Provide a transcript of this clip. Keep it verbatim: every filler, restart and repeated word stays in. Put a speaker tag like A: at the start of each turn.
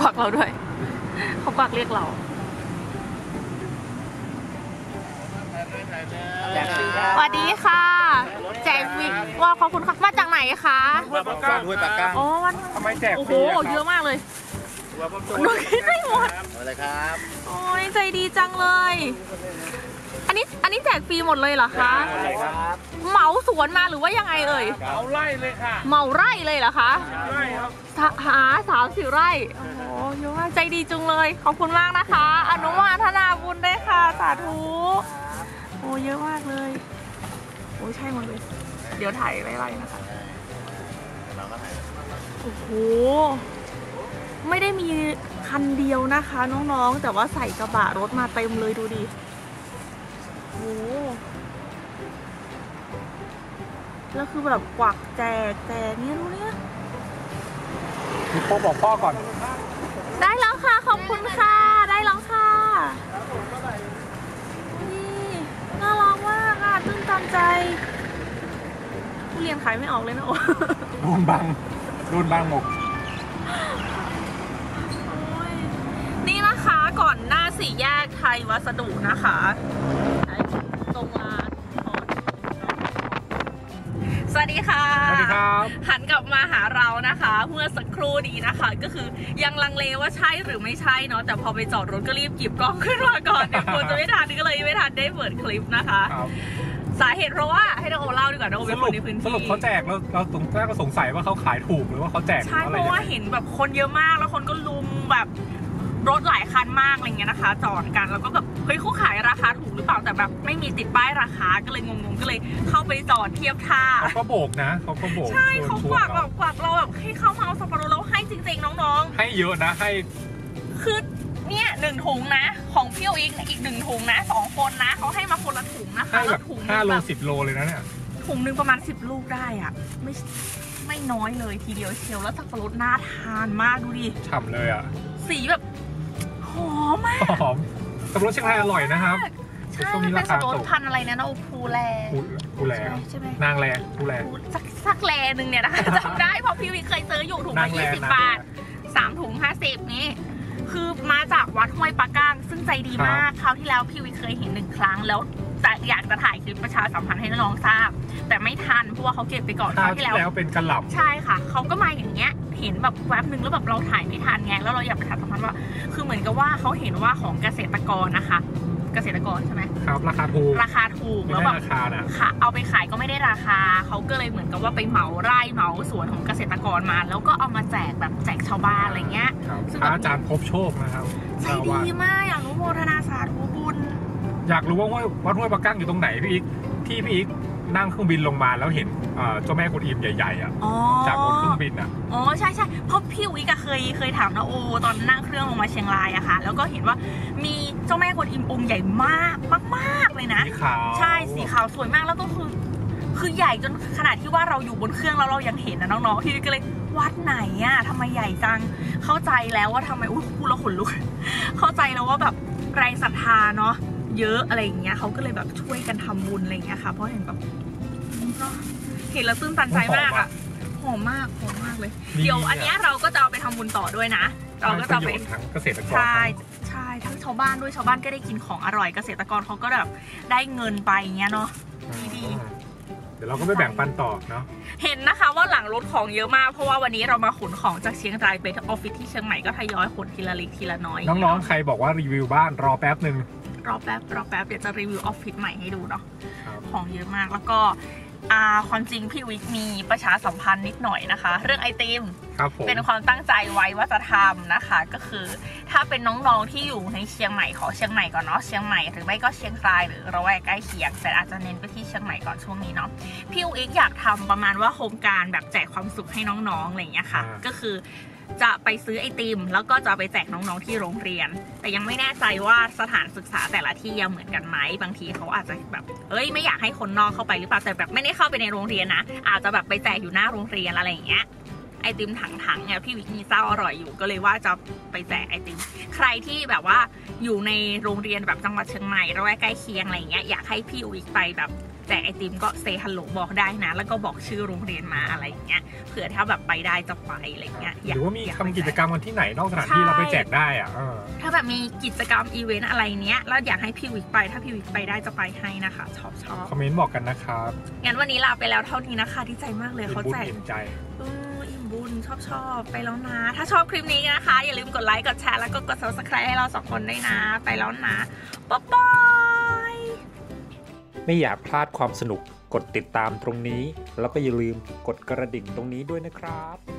A: วักเราด้วยเขากวักเรียกเราสวัสดีค่ะแจกวิกว่าขอบคุณค่ะมาจากไหนคะ
B: ห้วยปากก้างห้วยปากก้าง
A: อ๋อ
B: ทำไมแจก
A: โอ้โหเยอะมากเลยหนูคิดไม่หมด
B: อะไรครับ
A: โอ้ยใจดีจังเลยอันนี้อันนี้แจกฟรีหมดเลยเหรอคะเหมาสวนมาหรือว่ายังไงเอ่ย
B: เหมาไร่เลยค่ะ
A: เหมาไร่เลยเหรอคะ
B: ไร่ครับ
A: หาสามสิบไร่โอ้โหเยอะมากใจดีจุงเลยขอบคุณมากนะคะอนุโมทนาบุญด้วยค่ะสาธุโอ้เยอะมากเลยโอ้ใช่หมดเลยเดี๋ยวถ่ายไว้ๆนะคะโอ้โหไม่ได้มีคันเดียวนะคะน้องๆแต่ว่าใส่กระบะรถมาเต็มเลยดูดิโอ้แล้วคือแบบกวักแจกแจกเนี่ยดูเนี่ย
B: มีโป๊บอกพ่อก่อน
A: ได้แล้วค่ะขอบคุณค่ะได้แล้วค่ะนี่น่ารักมากค่ะตื้นตันใจเรียนขายไม่ออกเลยนะโอ้
B: โดนบังโดนบังหมก
A: นี่นะคะก่อนหน้าสี่แยกไทยวัสดุนะคะตรงร้านสวัสดีค่ะ
B: สวัสดีครับ
A: หันกลับมาหาเรานะคะเมื่อสักครู่นี้นะคะก็คือยังลังเลว่าใช่หรือไม่ใช่เนาะแต่พอไปจอดรถก็รีบหยิบกล้องขึ้นมาก่อนเดี๋ยวควรจะไม่ทันก็เลยไม่ทันได้เปิดคลิปนะคะสาเหตุเพราะว่าให้น้องโอเล่าดีกว่าน้องโอเป็นคนในพื้นที่
B: สรุปเขาแจกแล้วเราตรงแรกก็สงสัยว่าเขาขายถูกหรือว่าเขาแจก
A: ใช่เพราะว่าเห็นแบบคนเยอะมากแล้วคนก็ลุมแบบรถหลายคันมากอะไรเงี้ยนะคะจอดกันแล้วก็แบบเฮ้ยเขาขายราคาถูกหรือเปล่าแต่แบบไม่มีติดป้ายราคาก็เลยงงๆก็เลยเข้าไปจอดเทียบท่า
B: เขาก็โบกนะเขาก็โบก
A: ใช่เขากวักแบบกวักเราแบบให้เข้ามาเอาสับปะรดแล้วให้จริงๆน้อง
B: ๆให้เยอะนะให้
A: คือเนี่ยหนึ่งถุงนะของพี่อีกอีกหนึ่งถุงนะสองคนนะเขาให้มาคนละถุงนะคะ
B: แล้วถุงห้าโลสิบโลเลยนะเนี่ย
A: ถุงหนึ่งประมาณสิบลูกได้อ่ะไม่ไม่น้อยเลยทีเดียวเชียวแล้วสับปะรดน่าทานมากดูดิ
B: ฉ่ำเลยอ่ะ
A: สีแบบหอมมาก
B: หอมสับปะรดเชียงรายอร่อยนะครับ
A: ใช่เป็นสับปะรดพันอะไรนะนะโอ้ภูแล
B: ภูแลใช่ไหมนางแลภูแล
A: สักสักแลหนึ่งเนี่ยนะคะจำได้เพราะพี่วิเคยซื้ออยู่ถุงละยี่สิบบาทสามถุงห้าสิบนี่คือมาจากวัดห้วยปากก้างซึ่งใจดีมากคราวที่แล้วพี่วิเคยเห็นหนึ่งครั้งแล้วอยากจะถ่ายคลิปประชาสัมพันธ์ให้น้องทราบแต่ไม่ทันเพราะว่าเขาเก็บไปก่อนคราวที่
B: แล้วเป็นกระหล่ำ
A: ใช่ค่ะเขาก็มาอย่างเงี้ยเห็นแบบแวบหนึ่งแล้วแบบเราถ่ายไม่ทันไงแล้วเราอยากประชาสัมพันธ์ว่าคือเหมือนกับว่าเขาเห็นว่าของเกษตรกรนะคะเกษตรกรใช่ไหม
B: ครับราคาถูก
A: ราคาถูกแล้วแบบราคานะค่ะเอาไปขายก็ไม่ได้ราคาเขาก็เลยเหมือนกับว่าไปเหมาไร่เหมาสวนของเกษตรกรมาแล้วก็เอามาแจกแบบแจกชาวบ้านอะไรเงี้ย
B: ซึ่งอาจารย์พบโชคนะครับ
A: ใจดีมากอยากรู้โมทนาสาธุบุญ
B: อยากรู้ว่าวัดห้วยปากก้างอยู่ตรงไหนพี่อีกที่พี่อีกนั่งเครื่องบินลงมาแล้วเห็นเจ้าแม่กวนอิมใหญ่ๆอ่ะจากบนเครื่องบินอ่ะ
A: อ๋อใช่ใช่เพราะพี่วิกเคยเคยถามนะโอตอนนั่งเครื่องลงมาเชียงรายอะค่ะแล้วก็เห็นว่ามีเจ้าแม่กวนอิมองค์ใหญ่มากมากๆเลยนะ
B: สีขาว
A: ใช่สีขาวสวยมากแล้วก็คือคือใหญ่จนขนาดที่ว่าเราอยู่บนเครื่องแล้วเรายังเห็นนะน้องๆพี่วิกก็เลยวัดไหนอะทำไมใหญ่จังเข้าใจแล้วว่าทำไมอุ้ยพูดแล้วขนลุกเข้าใจแล้วว่าแบบแรงศรัทธาเนาะเยอะอะไรอย่างเงี้ยเขาก็เลยแบบช่วยกันทำบุญอะไรอย่างเงี้ยค่ะเพราะเห็นแบบเห็นแล้วตื้นตันใจมากอ่ะหอมมากหอมมากเลยเดี๋ยวอันนี้เราก็จะเอาไปทำบุญต่อด้วยนะเราก็จะไป
B: ทั้งเกษตรกร
A: ใช่ใช่ทั้งชาวบ้านด้วยชาวบ้านก็ได้กินของอร่อยเกษตรกรเขาก็แบบได้เงินไปเงี้ยเนาะดี
B: เดี๋ยวเราก็ไปแบ่งปันต่อเนาะ
A: เห็นนะคะว่าหลังรถของเยอะมากเพราะว่าวันนี้เรามาขนของจากเชียงรายไปออฟฟิศที่เชียงใหม่ก็ทยอยขนทีละเล็กทีละน้อย
B: น้องๆใครบอกว่ารีวิวบ้านรอแป๊บหนึ่ง
A: รอแป๊บรอแป๊บเดี๋ยวจะรีวิวออฟฟิศใหม่ให้ดูเนาะของเยอะมากแล้วก็ความจริงพี่วิกมีประชาสัมพันธ์นิดหน่อยนะคะเรื่องไอติมเป็นความตั้งใจไว้ว่าจะทำนะคะก็คือถ้าเป็นน้องๆที่อยู่ในเชียงใหม่ขอเชียงใหม่ก่อนเนาะเชียงใหม่หรือไม่ก็เชียงรายหรือระแวกใกล้เคียงแต่อาจจะเน้นไปที่เชียงใหม่ก่อนช่วงนี้เนาะพี่วิกอยากทำประมาณว่าโครงการแบบแจกความสุขให้น้องๆอะไรอย่างเงี้ยค่ะก็คือจะไปซื้อไอติมแล้วก็จะไปแจกน้องๆที่โรงเรียนแต่ยังไม่แน่ใจว่าสถานศึกษาแต่ละที่ยังเหมือนกันไหมบางทีเขาอาจจะแบบเอ้ยไม่อยากให้คนนอกเข้าไปหรือเปล่าแต่แบบไม่ได้เข้าไปในโรงเรียนนะอาจจะแบบไปแจกอยู่หน้าโรงเรียนอะไรอย่างเงี้ยไอติมถังๆเนี่ยพี่วิกมีเจ้าอร่อยอยู่ก็เลยว่าจะไปแจกไอติมใครที่แบบว่าอยู่ในโรงเรียนแบบจังหวัดเชียงใหม่ระแวกใกล้เคียงอะไรอย่างเงี้ยอยากให้พี่วิกไปแบบแจกไอติมก็เซฮัลโหลบอกได้นะแล้วก็บอกชื่อโรงเรียนมาอะไรอย่างเงี้ยเผื่อถ้าแบบไปได้จะไปอะไรเงี้ย
B: หรือว่ามีทำกิจกรรมกันที่ไหนนอกสถานที่เราไปแจกได้อ่ะ
A: ถ้าแบบมีกิจกรรมอีเวนต์อะไรเนี้ยแล้วอยากให้พี่วิกไปถ้าพี่วิกไปได้จะไปให้นะคะชอบชอบ
B: คอมเมนต์บอกกันนะครับ
A: งั้นวันนี้ลาไปแล้วเท่านี้นะคะดีใจมากเลยเขาแจก
B: อิ่มใจ
A: อิ่มบุญชอบชอบไปแล้วนะถ้าชอบคลิปนี้นะคะอย่าลืมกดไลค์กดแชร์แล้วก็กด ซับสไครบ์ ให้เราสองคนด้วยนะไปแล้วนะบ๊ายบาย
B: ไม่อยากพลาดความสนุกกดติดตามตรงนี้แล้วก็อย่าลืมกดกระดิ่งตรงนี้ด้วยนะครับ